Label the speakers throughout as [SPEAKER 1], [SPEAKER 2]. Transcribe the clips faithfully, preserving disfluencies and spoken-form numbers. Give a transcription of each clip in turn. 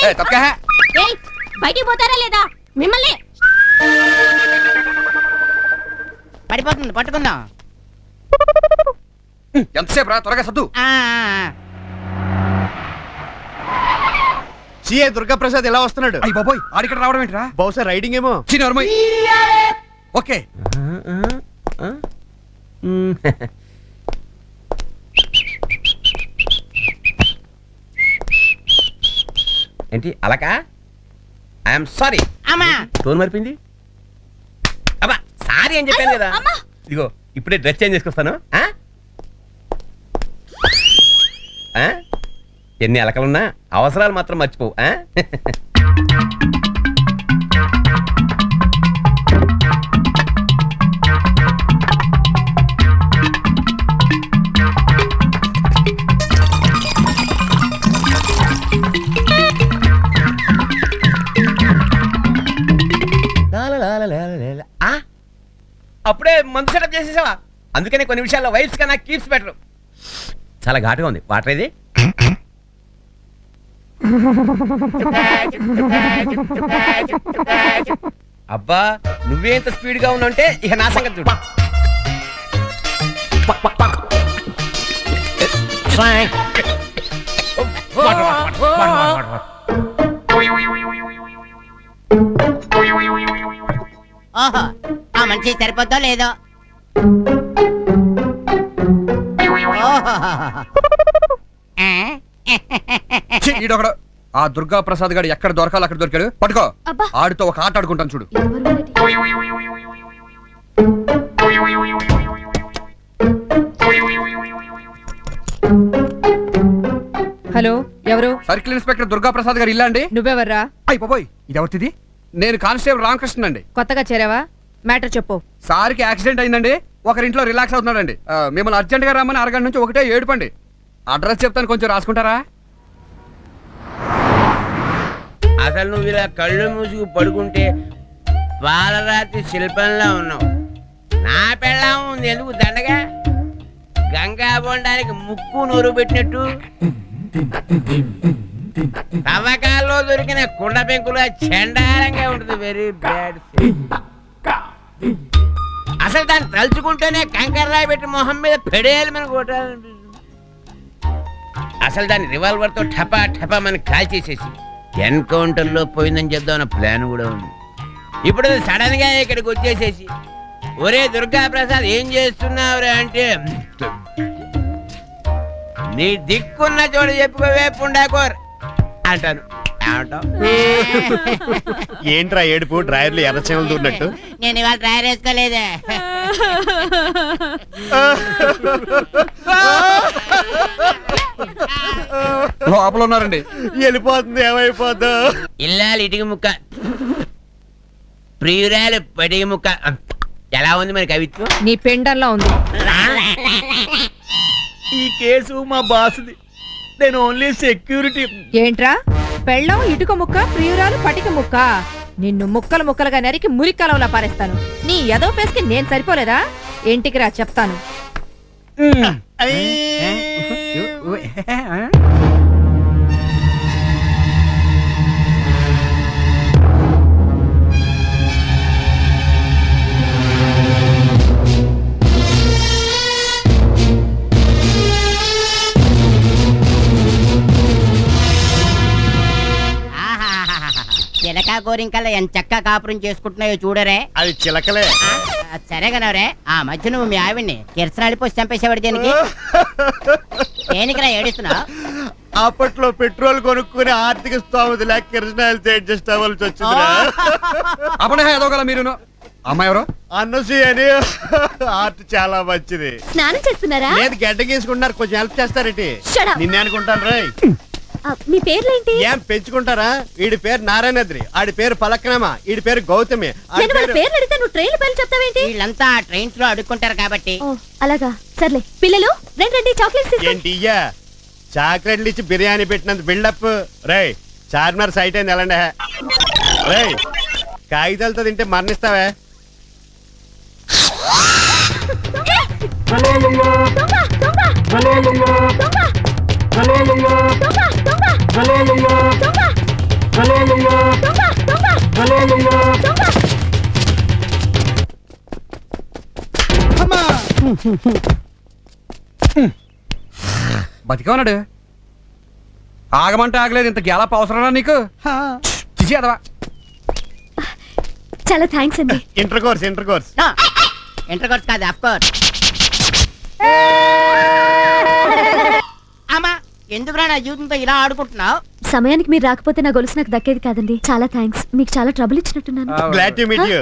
[SPEAKER 1] బయటికి పోతారా లేదా మిమ్మల్ని?
[SPEAKER 2] పడిపోతుంది, పట్టుకుందాం.
[SPEAKER 3] ఎంతసేపు రా, త్వరగా సద్దు.
[SPEAKER 4] సిఏ దుర్గాప్రసాద్ ఎలా వస్తున్నాడు?
[SPEAKER 3] అయ్యి బాబోయ్, ఆడిక్కడ రావడం ఏంట్రా?
[SPEAKER 4] బహుశా రైడింగ్ ఏమో.
[SPEAKER 3] చిన్నోర్మయ్. ఓకే
[SPEAKER 5] ఏంటి అలకా? I'm sorry.
[SPEAKER 2] అమ్మా
[SPEAKER 5] టోన్ మరిపింది. అబ్బా సారీ అని చెప్పాను కదా. ఇదిగో ఇప్పుడే డ్రెస్ చేంజ్ చేసుకొస్తాను. ఎన్ని అలకలున్నా అవసరాలు మాత్రం మర్చిపోవు. అప్పుడే మందు సెటప్ చేసేసావా? అందుకనే కొన్ని విషయాల్లో వైఫ్స్ కన్నా కీప్స్ బెటర్. చాలా ఘాటుగా ఉంది. వాటర్ ఇది. అబ్బా నువ్వే ఇంత స్పీడ్ గా ఉన్నావంటే ఇక నా సంగతి చూడు.
[SPEAKER 2] ఓహో, ఆ మనిషి సరిపోద్దో లేదో.
[SPEAKER 3] ఈడొకడు ఆ దుర్గా ప్రసాద్ గారు ఎక్కడ దొరకాలి అక్కడ దొరికాడు. పట్టుకో, ఆడితో ఒక ఆట ఆడుకుంటాను చూడు.
[SPEAKER 6] హలో, ఎవరు?
[SPEAKER 3] సర్కిల్ ఇన్స్పెక్టర్ దుర్గా ప్రసాద్ గారు ఇల్లా అండి?
[SPEAKER 6] నువ్వెవర్రా?
[SPEAKER 3] అయ్యి బాబోయ్, ఇది ఎవరిది? నేను కానిస్టేబుల్ రామకృష్ణ అండి.
[SPEAKER 6] కొత్తగా చేరావా? మ్యాటర్ చెప్పు.
[SPEAKER 3] సార్కి యాక్సిడెంట్ అయిందండి. ఒకరింట్లో రిలాక్స్ అవుతున్నాడండి. మిమ్మల్ని అర్జెంట్ గా రమ్మని అరగంట నుంచి ఒకటే ఏడుపండి. అడ్రస్ చెప్తాను, కొంచెం రాసుకుంటారా?
[SPEAKER 5] అసలు నువ్వు ఇలా కళ్ళు మూసుకు పడుకుంటే పాలరాతి శిల్పంలో ఉన్నావు. నా పెళ్ళాం ఉంది ఎందుకు దండగా? గంగా బొండానికి ముక్కు నూరు పెట్టినట్టు తవ్వకాల్లో దొరికిన కుండ పెంకులు చండాలంగా ఉంటుంది. Very bad. అసలు దాన్ని తలుచుకుంటేనే కంకర రాయి పెట్టి మొహం మీద పెడేయాలి మన కొట్టాలనిపిస్తుంది. అసలు దాన్ని రివాల్వర్ తో ఠపా ఠపా మన కాల్ చేసేసి ఎన్కౌంటర్ లో పోయిందని చెప్దామన్న ప్లాన్ కూడా ఉంది. ఇప్పుడు సడన్ గా ఇక్కడికి వచ్చేసేసి ఒరే దుర్గా ప్రసాద్ ఏం చేస్తున్నావురా అంటే నీ దిక్కున్న చోటు చెప్పుకోవే పుండాకోర్ అంటాను.
[SPEAKER 4] ఏంట్రా ఏడుపు? డ్రైవర్లు ఎర్రచేమలు దూరినట్టు.
[SPEAKER 2] నేను ఇవాళ డ్రైవర్ వేసుకోలేదే.
[SPEAKER 3] లోపల ఉన్నారండి.
[SPEAKER 4] వెళ్ళిపోతుంది, ఏమైపోద్దు.
[SPEAKER 5] ఇల్లాలి ఇటుక ముక్క, ప్రియురాలు పటిక ముక్క. ఎలా ఉంది మరి కవిత్వం?
[SPEAKER 6] నీ పెండల్లో ఉంది.
[SPEAKER 5] ఈ కేసు మా బాసుది. నేను ఓన్లీ సెక్యూరిటీ.
[SPEAKER 6] ఏంట్రా? పెళ్ళం ఇటుక ముక్క, ప్రియురాలు పటిక ముక్క. నిన్ను ముక్కలు ముక్కలుగా నరికి మురికలంలా పారేస్తాను. నీ ఎదో పేస్కి నేను సరిపోలేదా? ఇంటికి రా చెప్తాను.
[SPEAKER 2] చిలక గోరింకల్లా ఎంత చక్కగా కాపురం చేసుకుంటున్నాయో చూడరే.
[SPEAKER 4] అది చిలకలే.
[SPEAKER 2] సరే కనవరే, ఆ మధ్య నువ్వు మీ ఆవిడ్ని కిరసనాలి పోసి చంపేసేవాడు దేనికి? దేనికిరా ఏడుస్తున్నావు?
[SPEAKER 4] అప్పట్లో పెట్రోల్ కొనుక్కుని ఆర్థిక స్థోమత లేక కిరసనాయలతో అడ్జస్ట్ అవ్వాల్సి వచ్చింది.
[SPEAKER 3] అప్పుడే ఎదగల మీరు. అమ్మాయి ఎవరు?
[SPEAKER 4] అన్నసూయ అని. ఆర్ట్ చాలా మంచిది.
[SPEAKER 1] స్నానం చేస్తున్నారా?
[SPEAKER 4] లేదు, గడ్డ గీసుకుంటున్నారు. కొంచెం హెల్ప్ చేస్తారేంటి? నిన్నే అనుకుంటాను రా.
[SPEAKER 1] మీ పేర్లేంటి?
[SPEAKER 4] ఏం పెంచుకుంటారా? వీడి పేరు నారాయణద్రి, ఆడి పేరు పలక్నామా, వీడి పేరు గౌతమి.
[SPEAKER 2] వీళ్ళంతా ట్రైన్స్ లో అడుక్కుంటారు కాబట్టి.
[SPEAKER 1] అలాగా, సర్లే. పిల్లలు రండి రండి, చాక్లెట్స్.
[SPEAKER 4] ఏంటి ఇయ్యా? చాక్లెట్లు ఇచ్చి బిర్యానీ పెట్టినంత బిల్డప్. రేయ్, చార్మినార్ సైట్ అయింది ఎలాండే. రేయ్, కాగితాలతో తింటే మరణిస్తావే.
[SPEAKER 3] బతికే ఉన్నాడు. ఆగమంటే ఆగలేదు, ఇంత గ్యాలప్ అవసరమా నీకు? చిచి అదవా.
[SPEAKER 1] చాలా థ్యాంక్స్ అండి.
[SPEAKER 4] Inter course inter course
[SPEAKER 2] inter course కాదు, ఆఫ్ కోర్స్. అమ్మా, ఎందుకురా నా జీవితంతో ఇలా ఆడుకుంటున్నావు?
[SPEAKER 1] సమయానికి మీరు రాకపోతే నా గొలుసు నాకు దక్కేది కాదండి. చాలా థ్యాంక్స్. మీకు చాలా ట్రబుల్ ఇచ్చినట్టున్నాను.
[SPEAKER 4] Glad to meet you.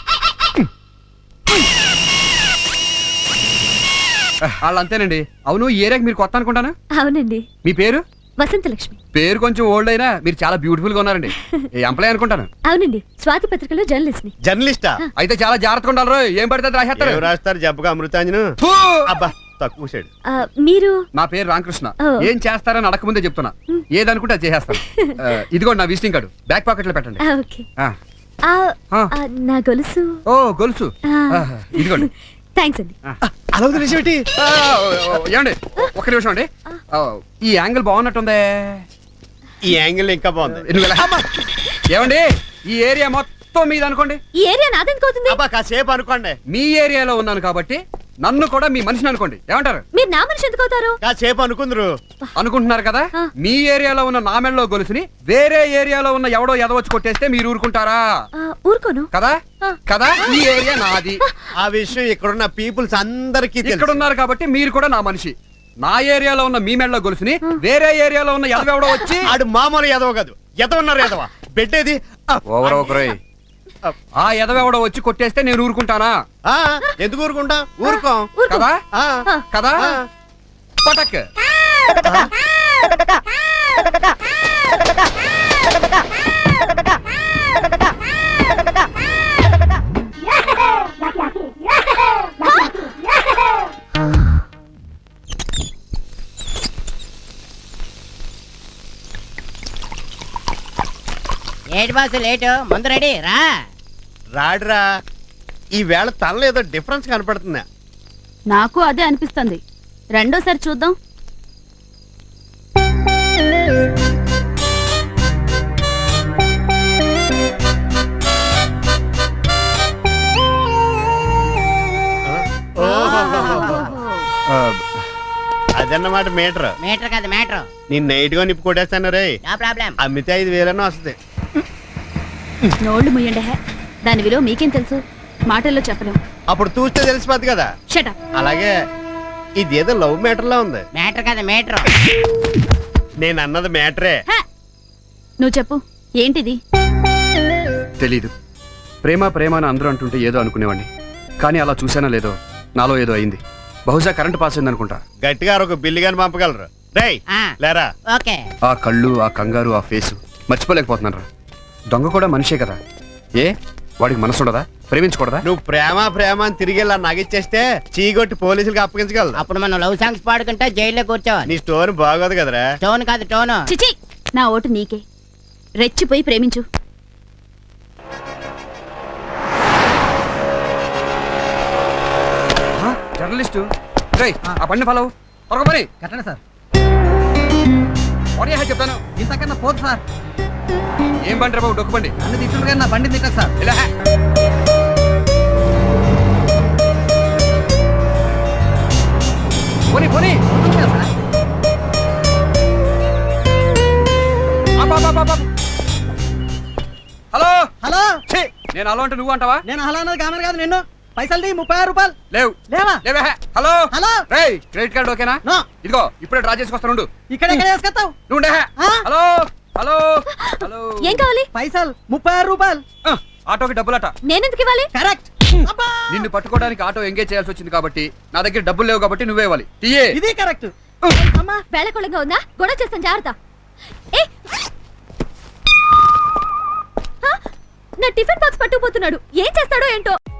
[SPEAKER 3] వాళ్ళు అంతేనండి. అవును, ఈ ఏరియాకి మీరు కొత్త అనుకుంటాను.
[SPEAKER 1] అవునండి.
[SPEAKER 3] మీ పేరు?
[SPEAKER 1] వసంత లక్ష్మి.
[SPEAKER 3] పేరు కొంచెం ఓల్డ్ అయినా మీరు చాలా బ్యూటిఫుల్ గా ఉన్నారండి. ఏ ఎంప్లాయ్ అనుకుంటాను.
[SPEAKER 1] అవునండి, స్వాతి పత్రికలో జర్నలిస్ట్ ని.
[SPEAKER 4] జర్నలిస్టా?
[SPEAKER 3] అయితే చాలా జాగ్రత్తగా ఉండాలి రోయ్. ఏం పడితే అది రాసేస్తారు.
[SPEAKER 4] ఎవరు రాస్తారు జబ్బుగా అమృతాంజను?
[SPEAKER 3] ఫూ!
[SPEAKER 4] అబ్బా తక్కువ సైడ్.
[SPEAKER 1] ఆ, మీరు
[SPEAKER 3] నా పేరు రామకృష్ణ.
[SPEAKER 1] ఓ.
[SPEAKER 3] ఏం చేస్తారని అడగకముందే చెప్తున్నా. ఏదనుకుంటే అది చేసేస్తాను. ఆ, ఇదిగోండి నా విజిటింగ్ కార్డు, బ్యాక్ పాకెట్ లో పెట్టండి.
[SPEAKER 1] ఆ, ఓకే.
[SPEAKER 3] ఆ.
[SPEAKER 1] ఆ,
[SPEAKER 3] ఆ.
[SPEAKER 1] ఆ, నా గొలుసు.
[SPEAKER 3] ఓ గొలుసు.
[SPEAKER 1] ఆ.
[SPEAKER 3] ఆహా, ఇదిగోండి.
[SPEAKER 1] థ్యాంక్స్ అండి.
[SPEAKER 4] అలా వదిలేసేటి.
[SPEAKER 3] ఆ, ఓ, ఓ, ఏమండి ఒక్క నిమిషం అండి. ఆ, ఈ యాంగిల్ బాగున్నట్టుందే.
[SPEAKER 4] ఈ యాంగిల్ ఇంకా బాగుంది.
[SPEAKER 3] నువ్వు ఎలా- ఏమండి, ఈ ఏరియా మొత్తం మీద అనుకోండి.
[SPEAKER 1] ఈ ఏరియా నాదెందుకు అవుతుంది?
[SPEAKER 4] అబ్బా కాసేపు అనుకోండి.
[SPEAKER 3] మీ ఏరియాలో ఉన్నాను కాబట్టి నన్ను కూడా మీ మనిషిని అనుకోండి. ఏమంటారు?
[SPEAKER 1] మీరు నా మనిషి ఎందుకు అవుతారు?
[SPEAKER 4] కాసేపు అనుకుందరు.
[SPEAKER 3] అనుకుంటున్నారు కదా.
[SPEAKER 1] ఆ.
[SPEAKER 3] మీ ఏరియాలో ఉన్న నా మెడలో గొలుసుని వేరే ఏరియాలో ఉన్న ఎవడో ఎదవచ్చి కొట్టేస్తే మీరు ఊరుకుంటారా?
[SPEAKER 1] ఆ, ఊరుకోను.
[SPEAKER 3] కదా
[SPEAKER 1] ఆ.
[SPEAKER 3] కదా ఈ ఏరియా నాది.
[SPEAKER 4] ఆ విషయం ఇక్కడున్న పీపుల్స్ అందరికీ
[SPEAKER 3] ఇక్కడ
[SPEAKER 4] తెలుసు.
[SPEAKER 3] ఉన్నారు కాబట్టి మీరు కూడా నా మనిషి. నా ఏరియాలో ఉన్న మీ మెడలో గొలుసుని వేరే ఏరియాలో ఉన్న ఎదవెవడో వచ్చి
[SPEAKER 4] ఆడు మామూలు ఎదవ కాదు, ఎదవ ఉన్నారు ఎదవ. బెడ్డేది
[SPEAKER 3] ఓవర్ ఒకరోయ్. ఆ ఎదవెవడో వచ్చి కొట్టేస్తే నేను ఊరుకుంటానా?
[SPEAKER 4] ఆ, ఎందుకు ఊరుకుంటా? ఊరుకోం
[SPEAKER 1] ఊరుకో.
[SPEAKER 3] కదా
[SPEAKER 4] ఆ,
[SPEAKER 3] కదా
[SPEAKER 4] ఆ.
[SPEAKER 3] పటక్.
[SPEAKER 2] ఏటి బాసు లేటు? ముందు రెడీ రా.
[SPEAKER 4] రాడురా. ఈ వేళ తనలో ఏదో డిఫరెన్స్ కనపడుతుంది.
[SPEAKER 1] నాకు అదే అనిపిస్తుంది. రెండోసారి చూద్దాం.
[SPEAKER 4] అదన్నమాట మీటర్.
[SPEAKER 2] మీటర్ కాదు, మ్యాటర్.
[SPEAKER 4] నేను నైట్ గా నిప్పు కొట్టేస్తాను రే.
[SPEAKER 2] No problem.
[SPEAKER 4] అమ్మితే ఐదు వేలన్నా వస్తుంది.
[SPEAKER 1] నోళ్ళు ముయ్యండి. హే, దాని విలువ మీకేం తెలుసు? మాటల్లో చెప్పలేం.
[SPEAKER 4] అప్పుడు చూస్తే తెలిసిపోద్ది కదా.
[SPEAKER 1] షటప్.
[SPEAKER 4] అలాగే ఇదేదో లవ్ మ్యాటర్ లా ఉంది.
[SPEAKER 2] మ్యాటర్ కాదు, మీటర్.
[SPEAKER 4] నేను అన్నది మ్యాటరే.
[SPEAKER 1] నువ్వు చెప్పు, ఏంటిది?
[SPEAKER 3] తెలీదు. ప్రేమ ప్రేమ అని అందరూ అంటుంటే ఏదో అనుకునేవాడిని. కానీ అలా చూసానో లేదో నాలో ఏదో అయింది. బహుశా కరెంట్ పాస్ అయింది అనుకుంటా.
[SPEAKER 4] గట్టిగా ఒక బిల్లు గాని పంపగలరు. రేయ్
[SPEAKER 2] ఆ.
[SPEAKER 4] లేరా.
[SPEAKER 2] ఓకే.
[SPEAKER 3] ఆ కళ్ళు, ఆ కంగారు, ఆ ఫేసు మర్చిపోలేకపోతున్నాను రా. దొంగ కూడా మనిషే కదా. ఏ వాడికి మనసు ఉండదా? ప్రేమించకూడదా?
[SPEAKER 4] నువ్వు ప్రేమ ప్రేమ అని తిరిగి ఇలా నగిచ్చేస్తే చీగొట్టి పోలీసులకు అప్పగించగలరు.
[SPEAKER 2] అప్పుడు మనం లవ్ సాంగ్స్ పాడుకుంటే జైల్లో కూర్చోవాలి.
[SPEAKER 4] నీ స్టోరీ బాగోదు కదరా.
[SPEAKER 2] టోన్ కాదు, టోను.
[SPEAKER 1] చిచి, నా ఓటు నీకే. రెచ్చిపోయి ప్రేమించు.
[SPEAKER 3] ఆ, జర్నలిస్టు రేయ్, ఆ బండి ఫాలో త్వరగా పని.
[SPEAKER 7] కట్టండి సార్.
[SPEAKER 3] పని చెప్తాను.
[SPEAKER 7] ఇంతకన్నా పోదు సార్.
[SPEAKER 3] ఏం బండి రా బాబు? డొక్కు బండి.
[SPEAKER 7] నన్ను తిట్టుండగా నా బండి తిట్టదు సార్.
[SPEAKER 3] ఇలా పోనీ పోనీ.
[SPEAKER 7] అవుతుంది కదా సార్.
[SPEAKER 3] ఆపు, ఆపు, ఆపు, ఆపు. హలో.
[SPEAKER 7] హలో,
[SPEAKER 3] ఛీ, నేను హలో అంటే నువ్వు అంటావా?
[SPEAKER 7] నేను హలో అన్నది కామెర కాదు. నిన్ను పైసలు ముప్పై ఆరు రూపాయలు
[SPEAKER 3] లేవు
[SPEAKER 7] లేవా?
[SPEAKER 3] లేవే. Hello
[SPEAKER 7] hello.
[SPEAKER 3] రేయ్, క్రెడిట్ కార్డు ఓకేనా?
[SPEAKER 7] నో.
[SPEAKER 3] ఇదిగో ఇప్పుడే డ్రా చేసుకొస్తాను ఉండు.
[SPEAKER 7] ఇక్కడ ఎక్కడ వేసుకొస్తావు?
[SPEAKER 3] నువ్వు ఉండే.
[SPEAKER 7] ఆ?
[SPEAKER 3] Hello hello hello.
[SPEAKER 1] ఏం కావాలి?
[SPEAKER 7] పైసలు ముప్పై ఆరు రూపాయలు.
[SPEAKER 3] ఆ, ఆటోకి డబ్బులట.
[SPEAKER 1] నేనెందుకు ఇవ్వాలి?
[SPEAKER 7] కరెక్ట్. అబ్బా,
[SPEAKER 3] నిన్ను పట్టుకోవడానికి ఆటో ఎంగేజ్ చేయాల్సి వచ్చింది కాబట్టి నా దగ్గర డబ్బులు లేవు కాబట్టి నువ్వే ఇవ్వాలి. తీయే.
[SPEAKER 7] ఇది కరెక్ట్. అమ్మా,
[SPEAKER 1] వేళకొళంగా ఉందా? గొడవ చేస్తాను, జాగ్రత్త. ఏ, ఆ, నా టిఫిన్ బాక్స్ పట్టుకుపోతున్నాడు. ఏం చేస్తాడో ఏంటో.